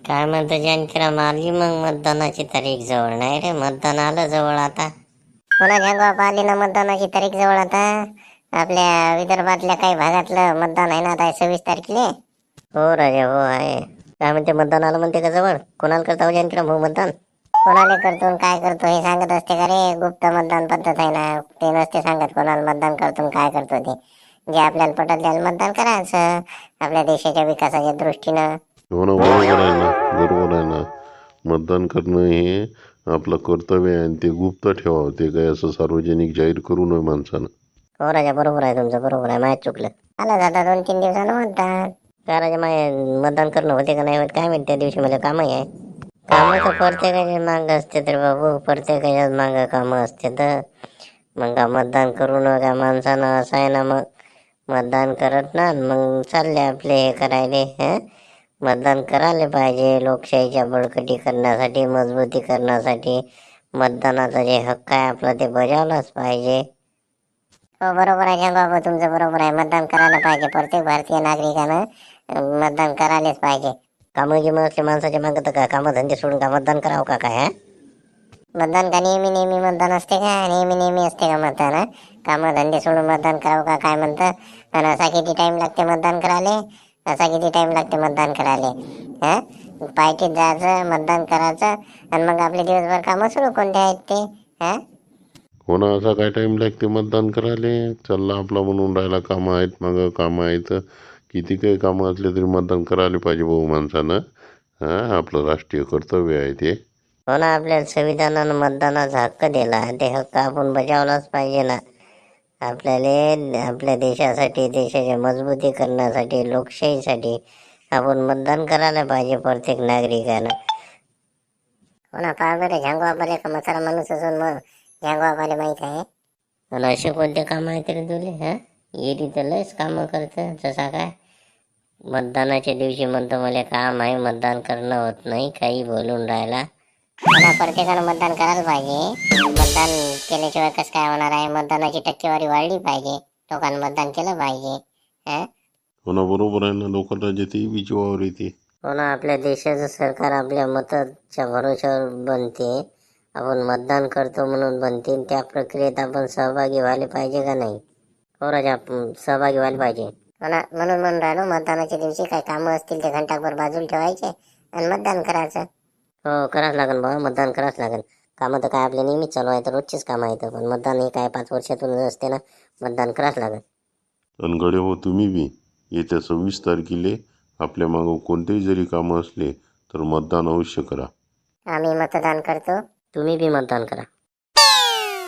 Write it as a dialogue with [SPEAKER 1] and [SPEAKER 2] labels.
[SPEAKER 1] काय म्हणतो जानकीराम, आली मग मतदानाची तारीख जवळ? नाही रे, मतदान आलं जवळ आता.
[SPEAKER 2] पुन्हा झंगवा आली ना मतदानाची तारीख जवळ आता. आपल्या विदर्भातल्या काही भागातलं मतदान आहे ना आता 26 तारखेला.
[SPEAKER 1] हो राजा, हो आहे. काय म्हणते, मतदान आलं म्हणते का जवळ? कोणाला करता हो जानकीराम हो मतदान?
[SPEAKER 2] कोणाला करतो आणि काय करतो हे सांगत असते का रे? गुप्त मतदान पद्धत आहे ना, ते नसते सांगत कोणाला मतदान करतो आणि काय करतो ते. जे आपल्याला पटत त्याला मतदान करायचं आपल्या देशाच्या विकासाच्या दृष्टीनं.
[SPEAKER 3] हो ना, बरोबर आहे ना, बरोबर आहे ना. मतदान करणं हे आपलं कर्तव्य आहे आणि ते गुप्त ठेवावं. ते काही असं सार्वजनिक जाहीर करू नये माणसानं.
[SPEAKER 1] हो राजा, बरोबर आहे तुमचं, बरोबर आहे. माहीत चुकलं.
[SPEAKER 2] आलं जाता 2-3 दिवसानं मतदान.
[SPEAKER 1] काय राजा, माय मतदान करणं होते का नाही होत काय माहिती. त्या दिवशी मला कामही आहे. कामं तर प्रत्येकाच्या मागं असते तर बाबू, प्रत्येकाच्याच मागं कामं असते तर मग का मतदान करू नका माणसानं, असं आहे ना. मग मतदान करत ना मग चालले आपले हे करायले. मतदान करायला पाहिजे. लोकशाहीच्या बळकटी करण्यासाठी, मजबूती करण्यासाठी मतदानाचा जे हक्क आहे आपला ते बजावलाच पाहिजे.
[SPEAKER 2] हो बरोबर आहे झंगवा, तुमचं बरोबर आहे. मतदान करायला पाहिजे. प्रत्येक भारतीय नागरिकानं मतदान करायलाच पाहिजे.
[SPEAKER 1] कामं गिमं असले माणसाच्या मागं तर काय कामं धंदे सोडून का मतदान करावं का काय?
[SPEAKER 2] मतदान का नेहमी मतदान असते का? नेहमी असते का मतदान? कामं धंदे सोडून मतदान करावं का काय म्हणतं? आणि असा किती टाइम लागते मतदान करायला? असा किती टाइम लागते मतदान करायला? पायटीत जायचं, मतदान करायचं आणि मग आपले दिवसभर कामं सुरू कोणते आहेत ते?
[SPEAKER 3] हो ना, असा काय टाईम लागते मतदान करायला? चालला आपला म्हणून राहिला, कामं आहेत, मागं कामं आहेत. किती काही कामं असले तरी मतदान करायला पाहिजे भाऊ माणसानं. आपलं राष्ट्रीय कर्तव्य आहे ते.
[SPEAKER 1] हो ना, आपल्या संविधानानं मतदानाचा हक्क दिला, ते हक्क आपण बजावलाच पाहिजे ना. आपल्याला आपल्या देशासाठी, देशाच्या मजबूती करण्यासाठी, लोकशाहीसाठी आपण मतदान करायला पाहिजे प्रत्येक नागरिकानं.
[SPEAKER 2] हो ना, पहा बरं झंगवापाले का म्हातारा माणूस असून मग झंगवापाले माहीत आहे.
[SPEAKER 1] आणि असे कोणते कामं आहेत रे तुले? येरी तर लयच कामं करतं. जसा काय मतदानाच्या दिवशी म्हणतो मला काम आहे, मतदान करणं होत नाही, काही बोलून राहिला.
[SPEAKER 2] मला प्रत्येकानं मतदान करायला पाहिजे. मतदान केल्याशिवाय कसं काय होणार आहे? मतदानाची टक्केवारी वाढली पाहिजे. लोकांनी मतदान केलं पाहिजे.
[SPEAKER 3] हो ना, बरोबर आहे ना. लोकांना जे ते विचारावर येते.
[SPEAKER 1] हो ना, आपल्या देशाचं सरकार आपल्या मताच्या भरोश्यावर बनते. आपण मतदान करतो म्हणून बनते. त्या प्रक्रियेत आपण सहभागी व्हायला पाहिजे का नाही? हो राजा, आपण सहभागी व्हायला पाहिजे.
[SPEAKER 2] हो ना, म्हणून राहिलो मतदानाच्या दिवशी काही कामं असतील ते घंटाभर बाजूला ठेवायचे आणि मतदान करायचं.
[SPEAKER 1] हो, करावंच लागेल बाबा, मतदान करावंच लागेल. कामं तर काय आपले नेहमीच चालू आहे, तर रोजचीच कामं आहेत. पण मतदान हे काय 5 वर्षातून असते ना, मतदान करावंच लागेल.
[SPEAKER 3] आणि गडे हो, तुम्ही बी येत्या 26 तारखेला आपल्या मागं कोणतेही जरी कामं असले तर मतदान अवश्य करा.
[SPEAKER 2] आम्ही मतदान करतो.
[SPEAKER 1] तुम्ही बी मतदान करा.